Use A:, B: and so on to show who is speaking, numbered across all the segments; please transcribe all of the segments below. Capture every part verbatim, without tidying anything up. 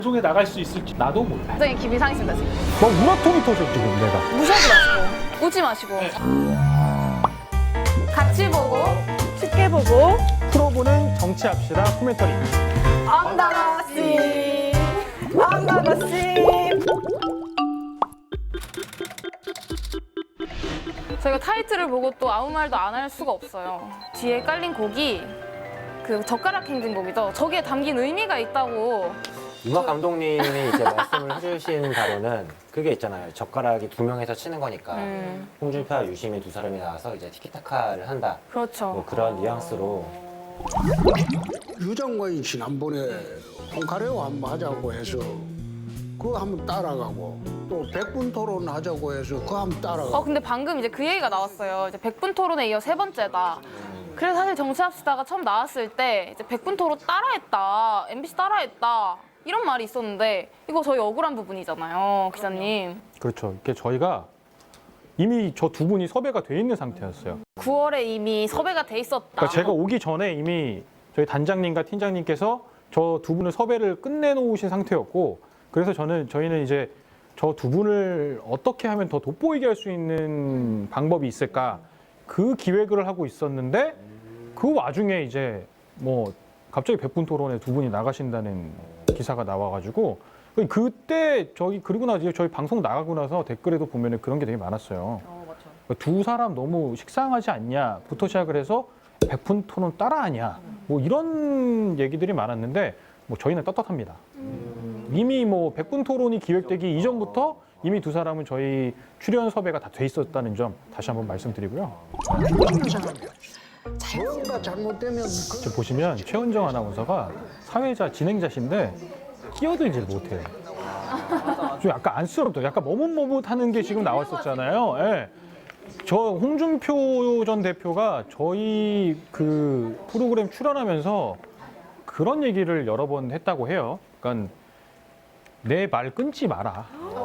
A: 방송에 나갈 수 있을지 나도 몰라.
B: 굉장히 기분이 상했습니다 지금.
A: 뭐 우라통이 터져 지금 내가.
B: 무시하지 마시고 웃지 마시고 같이 보고
C: 쉽게 보고
A: 풀어보는 정치합시다 코멘터리.
C: 언더더씨 언더더씨.
B: 저희가 타이틀을 보고 또 아무 말도 안 할 수가 없어요. 뒤에 깔린 곡이 그 젓가락 행진곡이죠. 저기에 담긴 의미가 있다고.
D: 윤곽 감독님이 이제 말씀을 해주신 바로는 그게 있잖아요. 젓가락이 두 명에서 치는 거니까
B: 음.
D: 홍준표와 유시민 두 사람이 나와서 이제 티키타카를 한다.
B: 그렇죠.
D: 뭐 그런 뉘앙스로.
E: 유 장관이 지난번에 홍카레오 한번 하자고 해서 그거 한번 따라가고 또 백분 토론 하자고 해서 그거 한번 따라가고.
B: 어 근데 방금 이제 그 얘기가 나왔어요. 이제 백분 토론에 이어 세 번째다. 그래서 사실 정치합시다가 처음 나왔을 때 이제 백분 토론 따라했다, 엠비씨 따라했다 이런 말이 있었는데 이거 저희 억울한 부분이잖아요, 기자님.
A: 그렇죠. 이게 저희가 이미 저 두 분이 섭외가 돼 있는 상태였어요.
B: 구월에 이미 섭외가 돼 있었다.
A: 그러니까 제가 오기 전에 이미 저희 단장님과 팀장님께서 저 두 분을 섭외를 끝내놓으신 상태였고, 그래서 저는 저희는 이제 저 두 분을 어떻게 하면 더 돋보이게 할 수 있는 방법이 있을까, 그 기획을 하고 있었는데 그 와중에 이제 뭐 갑자기 백분 토론에 두 분이 나가신다는 기사가 나와가지고 그때 저희 그리고 나서 저희 방송 나가고 나서 댓글에도 보면은 그런 게 되게 많았어요.
B: 어, 맞죠.
A: 두 사람 너무 식상하지 않냐부터 시작을 해서 백분 토론 따라하냐 뭐 이런 얘기들이 많았는데 뭐 저희는 떳떳합니다. 이미 뭐 백분 토론이 기획되기 이전부터 이미 두 사람은 저희 출연 섭외가 다 돼 있었다는 점 다시 한번 말씀드리고요.
E: 뭔가 잘못되면 그
A: 지금 보시면 최은정 아나운서가 사회자 진행자신데 끼어들질 못해요. 좀 약간 안쓰럽다. 약간 머뭇머뭇하는 게 지금 나왔었잖아요. 예. 저 홍준표 전 대표가 저희 그 프로그램 출연하면서 그런 얘기를 여러 번 했다고 해요. 그러니까 내 말 끊지 마라.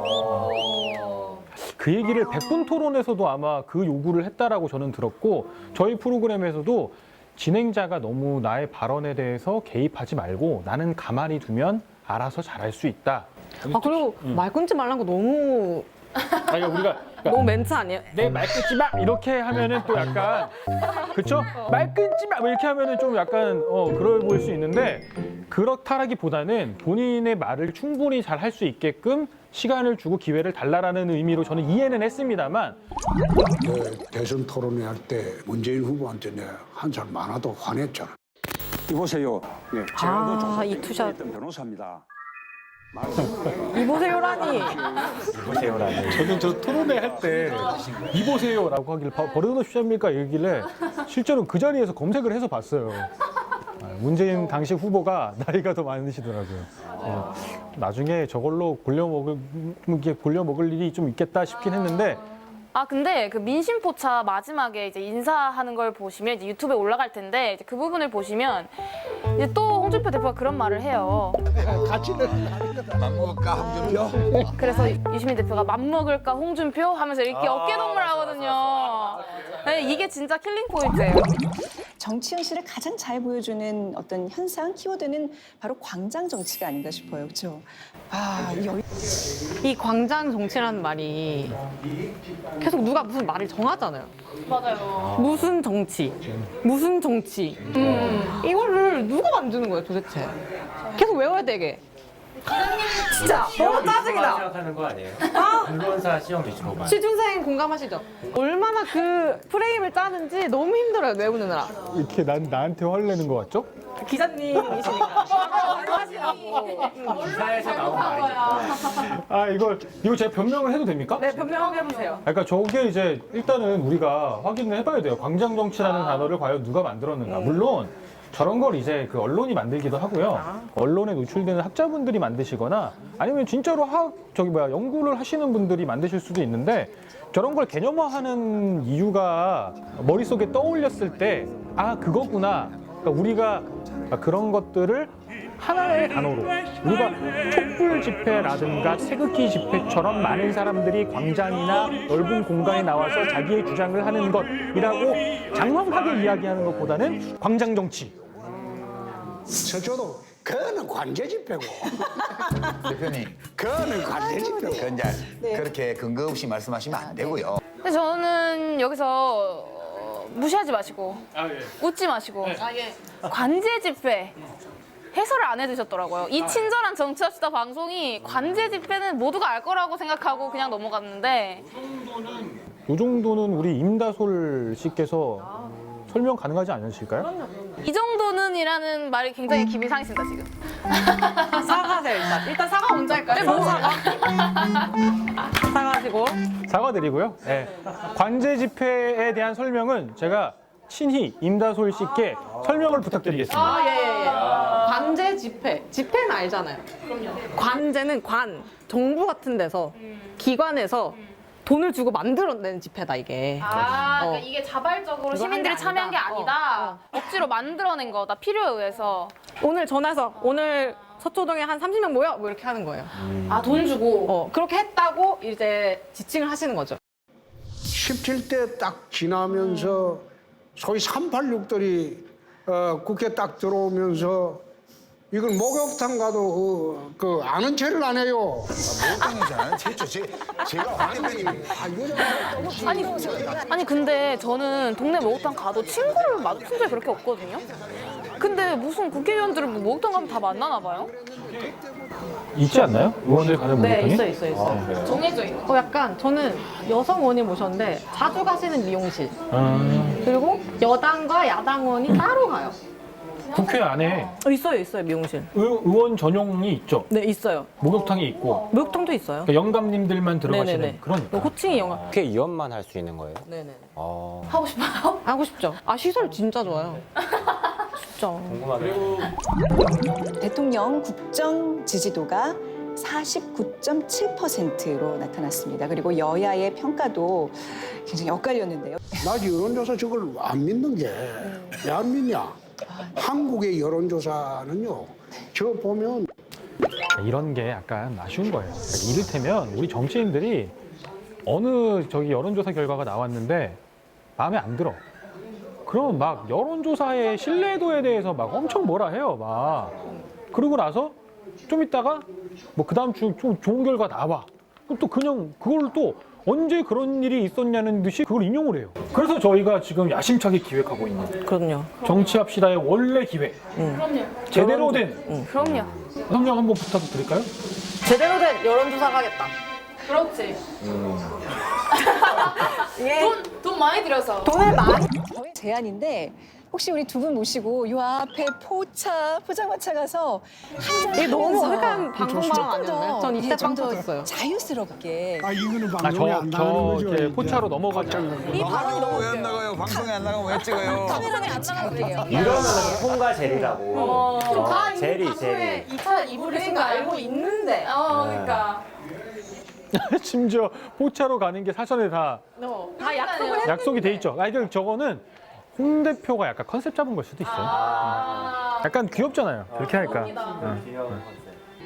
A: 그 얘기를 백분 토론에서도 아마 그 요구를 했다라고 저는 들었고, 저희 프로그램에서도 진행자가 너무 나의 발언에 대해서 개입하지 말고 나는 가만히 두면 알아서 잘할 수 있다.
C: 아 그리고 말 끊지 말라는 거 너무
A: 아니 우리가
C: 너무 멘트 아니에요?
A: 내 말 끊지 마 이렇게 하면은 또 약간 그렇죠? 말 끊지 마 이렇게 하면은 좀 약간 어 그럴 보일 수 있는데, 그렇다라기보다는 본인의 말을 충분히 잘 할 수 있게끔 시간을 주고 기회를 달라라는 의미로 저는 이해는 했습니다만,
E: 그 대선 토론회 할 때 문재인 후보한테 내가 한 살 많아도 화냈잖아.
F: 이보세요. 예, 제가
C: 아,
F: 그 조사
C: 이 투샷.
F: 했던 변호사입니다.
C: 이보세요라니.
D: 보세요라는.
A: 저는 저 토론회 할 때 이보세요라고 하길래 바- 버릇없이 합니까 이러길래 실제로 그 자리에서 검색을 해서 봤어요. 아, 문재인 당시 후보가 나이가 더 많으시더라고요. 어, 나중에 저걸로 골려 먹을 이게 골려 먹을 일이 좀 있겠다 싶긴 했는데,
B: 아 근데 그 민심포차 마지막에 이제 인사하는 걸 보시면 이제 유튜브에 올라갈 텐데 이제 그 부분을 보시면 이제 또 홍준표 대표가 그런 말을 해요. 그래서 유시민 대표가 맘먹을까 홍준표 하면서 이렇게 어깨동무를 하거든요. 네, 이게 진짜 킬링 포인트예요.
G: 정치 현실을 가장 잘 보여주는 어떤 현상, 키워드는 바로 광장 정치가 아닌가 싶어요. 그렇죠? 아, 이 여-
C: 이 광장 정치라는 말이 계속 누가 무슨 말을 정하잖아요.
B: 맞아요.
C: 무슨 정치, 무슨 정치. 음. 이거를 누가 만드는 거예요 도대체? 계속 외워야 되게. 진짜 너무 짜증나.
D: 생각하는 거 아니에요? 언론사 시험 유튜버.
C: 취준생 공감하시죠? 얼마나 그 프레임을 짜는지 너무 힘들어요 외우느라.
A: 이렇게 난 나한테 화를 내는 거 같죠?
C: 기자님이시니까.
D: 기사에서 나온 말이니까.
A: 아 이걸 이거 제가 변명을 해도 됩니까?
C: 네 변명하게 해보세요.
A: 그러니까 저게 이제 일단은 우리가 확인을 해봐야 돼요. 광장 정치라는 단어를 과연 누가 만들었는가. 물론 저런 걸 이제 그 언론이 만들기도 하고요. 언론에 노출되는 학자분들이 만드시거나 아니면 진짜로 학 저기 뭐야 연구를 하시는 분들이 만드실 수도 있는데, 저런 걸 개념화하는 이유가 머릿속에 떠올렸을 때 아 그거구나. 그러니까 우리가 그런 것들을 하나의 단어로 우리가 촛불 집회라든가 태극기 집회처럼 많은 사람들이 광장이나 넓은 공간에 나와서 자기의 주장을 하는 것이라고 장황하게 이야기하는 것보다는 광장 정치.
E: 저도 그거는 관제 집회고.
H: 대표님,
E: 그거는 관제 집회고.
H: 그 이제
G: 네.
H: 그렇게 근거 없이 말씀하시면 안 되고요.
B: 근데 저는 여기서 어, 무시하지 마시고 웃지 마시고 관제 집회 해설을 안 해주셨더라고요. 이 친절한 정치합시다 방송이 관제 집회는 모두가 알 거라고 생각하고 그냥 넘어갔는데
A: 이 정도는 우리 임다솔 씨께서 설명 가능하지 않으실까요?
B: 이 정도는이라는 말이 굉장히 기분이 상했습니다 지금.
C: 사과하세요 일단. 일단 사과 먼저 할까요? 뭐 사과? 사과하시고.
A: 사과드리고요. 네. 관제 집회에 대한 설명은 제가 친히 임다솔 씨께 설명을 부탁드리겠습니다.
C: 아, 예, 예, 예. 관제 집회. 집회는 알잖아요. 그럼요. 관제는 관, 정부 같은 데서, 기관에서 돈을 주고 만들어낸 집회다, 이게.
B: 아,
C: 어.
B: 그러니까 이게 자발적으로
C: 그거
B: 시민들이
C: 한 게
B: 참여한 게
C: 아니다.
B: 아니다.
C: 어,
B: 억지로 만들어낸 거다. 필요에 의해서.
C: 오늘 전화해서, 오늘 서초동에 한 삼십 명 모여? 뭐 이렇게 하는 거예요.
B: 아, 돈 주고.
C: 어, 그렇게 했다고 이제 지칭을 하시는 거죠.
E: 십칠 대 딱 지나면서 소위 삼팔육들이 어, 국회 딱 들어오면서 이건 목욕탕 가도 그, 그 아는 체를 안 해요.
H: 목욕탕이잖아요. 제죠. 제, 제가 황 대표님
E: 아, 이거
B: 아니, 아니 근데 저는 동네 목욕탕 가도 친구를 마주친 적이 그렇게 없거든요. 근데 무슨 국회의원들은 뭐 목욕탕 가면 다 만나나 봐요?
A: 있지 않나요? 의원들 가는
C: 네,
A: 목욕탕이?
C: 있어요, 있어요, 있어요.
A: 아, 그래요?
B: 정해져 있는.
C: 어, 약간 저는 여성 의원님 모셨는데 자주 가시는 미용실.
A: 아,
C: 그리고 여당과 야당원이 따로 가요.
A: 국회 안에
C: 어, 있어요, 있어요, 미용실.
A: 의, 의원 전용이 있죠.
C: 네, 있어요.
A: 목욕탕이 있고
C: 목욕탕도 있어요.
A: 그러니까 영감님들만 들어가시는
C: 네네네.
A: 그러니까.
C: 호칭이 영화.
D: 국회의원만 할 수 있는 거예요?
C: 네네.
D: 아,
B: 하고 싶어요?
C: 하고 싶죠. 아 시설 진짜 좋아요. 진짜.
D: 궁금하게.
G: 대통령 국정 지지도가 사십구 점 칠 퍼센트로 나타났습니다. 그리고 여야의 평가도 굉장히 엇갈렸는데요.
E: 나 여론조사 저걸 안 믿는 게 왜 안 믿냐? 한국의 여론조사는요. 저 보면
A: 이런 게 약간 아쉬운 거예요. 그러니까 이를테면 우리 정치인들이 어느 저기 여론조사 결과가 나왔는데 마음에 안 들어. 그러면 막 여론조사의 신뢰도에 대해서 막 엄청 뭐라 해요. 막 그러고 나서 좀 있다가 뭐 그 다음 주 좀 좋은 결과 나와. 그럼 또 그냥 그걸 또 언제 그런 일이 있었냐는 듯이 그걸 인용을 해요. 그래서 저희가 지금 야심차게 기획하고 있는
C: 그럼요.
A: 정치합시다의 원래 기획.
B: 그럼요.
A: 제대로 된
B: 그럼요.
A: 설명 한번 부탁드릴까요?
C: 제대로 된 여론조사 하겠다.
B: 그렇지.
C: 예.
B: 돈, 돈 많이 들여서.
C: 돈을 많이.
G: 저의 제안인데 혹시 우리 두 분 모시고 요 앞에 포차 포장마차 가서 한잔
C: 이게 너무
G: 하면서
C: 어색한 방송 발언
G: 조금
C: 아니었나요?
G: 더
C: 전 이때
G: 예, 좀
C: 빵
G: 더
C: 터졌어요.
G: 자유스럽게
E: 아 이거는
A: 아,
E: 방송에
A: 저,
E: 안 나가는
A: 저
E: 거죠.
A: 이제
E: 이제.
A: 포차로 넘어가자.
G: 이 발언이 너무
H: 왜 안 나가요? 방송에 안 나가면 왜 찍어요?
G: 카메라에 안 나갈게요.
D: 이러면 콩과 젤이라고.
B: 어,
D: 어, 젤이, 젤이.
C: 이 차 이불 계신 거 알고 있는데.
B: 어, 그러니까.
A: 심지어 포차로 가는 게 사전에 다
C: 어, 다 약속을 했.
A: 약속이 돼 있죠. 아, 이거 저거는 홍 대표가 약간 컨셉 잡은 걸 수도 있어요.
B: 아,
A: 약간 귀엽잖아요. 그렇게 하니까. 응.
D: 귀여운 컨셉.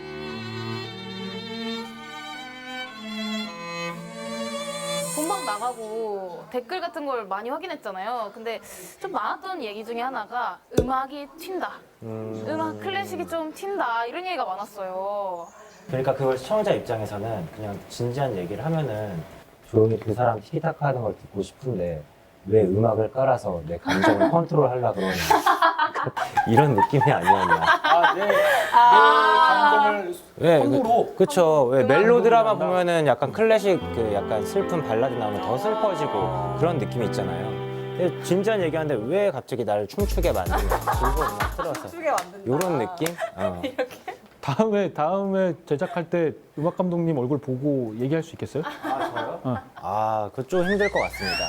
B: 본방 나가고 댓글 같은 걸 많이 확인했잖아요. 근데 좀 많았던 얘기 중에 하나가 음악이 튄다.
D: 음,
B: 음악 클래식이 좀 튄다. 이런 얘기가 많았어요.
D: 그러니까 그걸 시청자 입장에서는 그냥 진지한 얘기를 하면은 조용히 그 사람 티키타카 하는 걸 듣고 싶은데 왜 음악을 깔아서 내 감정을 컨트롤하려고 그러냐. 이런 느낌이 아니었나.
A: 아, 네. 감정을
D: 왜,
A: 손으로.
D: 그, 그쵸. 왜 멜로 드라마 보면은 약간 클래식 그 약간 슬픈 발라드 나오면 더 슬퍼지고 그런 느낌이 있잖아요. 근데 진지한 얘기하는데 왜 갑자기 나를 춤추게 만드냐. 즐거운 음악 틀어서.
C: 게 만든다.
D: 이런 느낌? 어.
A: 다음에 다음에 제작할 때 음악 감독님 얼굴 보고 얘기할 수 있겠어요?
D: 아, 그거 좀 힘들 것 같습니다.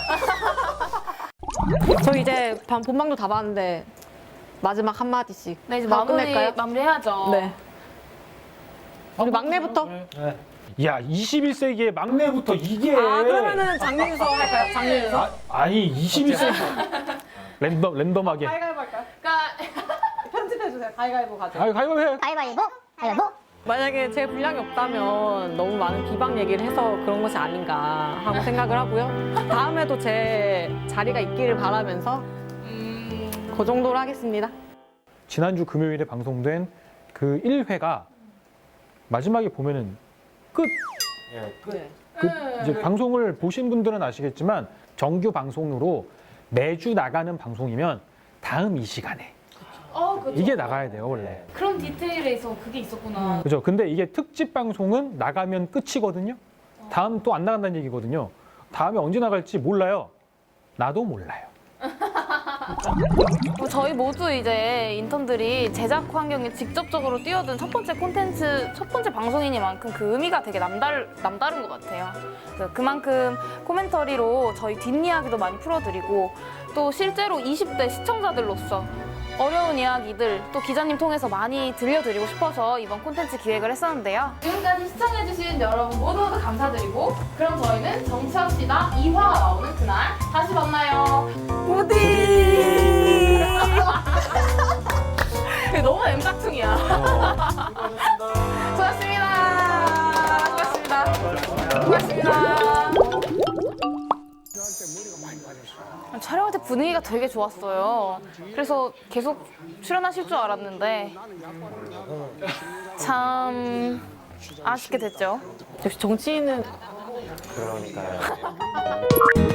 C: 저 이제 반 본방도 다 봤는데 마지막 한 마디씩.
B: 네, 이제
C: 하고
B: 마무리,
C: 끝낼까요?
B: 마무리해야죠.
C: 네. 우리 막내부터.
A: 네. 야, 이십일 세기의 막내부터 이게.
C: 아 그러면은 장민서 할까요? 장민서.
A: 아, 아니 이십일 세기 랜덤 랜덤하게.
C: 가위바위보 할까요?
B: 그러니까
C: 편집해 주세요. 가위바위보 가죠.
A: 아, 가위바위보 해.
I: 가위바위보? 가위바위보?
C: 만약에 제 분량이 없다면 너무 많은 비방 얘기를 해서 그런 것이 아닌가 하고 생각을 하고요. 다음에도 제 자리가 있기를 바라면서 그 정도로 하겠습니다.
A: 지난주 금요일에 방송된 그 일 회가 마지막에 보면은 끝.
D: 예, 끝.
A: 그 이제 방송을 보신 분들은 아시겠지만 정규 방송으로 매주 나가는 방송이면 다음 이 시간에
B: 어, 그렇죠.
A: 이게 나가야 돼요 원래.
B: 그런 디테일에서 그게 있었구나.
A: 그죠? 근데 이게 특집 방송은 나가면 끝이거든요. 다음 또 안 나간다는 얘기거든요. 다음에 언제 나갈지 몰라요. 나도 몰라요.
B: 뭐 저희 모두 이제 인턴들이 제작 환경에 직접적으로 뛰어든 첫 번째 콘텐츠, 첫 번째 방송이니만큼 그 의미가 되게 남달, 남다른 것 같아요. 그래서 그만큼 코멘터리로 저희 뒷이야기도 많이 풀어드리고 또 실제로 이십 대 시청자들로서 어려운 이야기들 또 기자님 통해서 많이 들려드리고 싶어서 이번 콘텐츠 기획을 했었는데요. 지금까지 시청해주신 여러분 모두 모두 감사드리고 그럼 저희는 정치합시다 이 화가 나오는 그날 다시 만나요. 부디 너무 엠짝퉁이야. 수고하셨습니다. 수고하셨습니다. 수고하셨습니다. 촬영할 때 분위기가 되게 좋았어요. 그래서 계속 출연하실 줄 알았는데 참 아쉽게 됐죠.
C: 역시 정치인은
D: 그러니까요.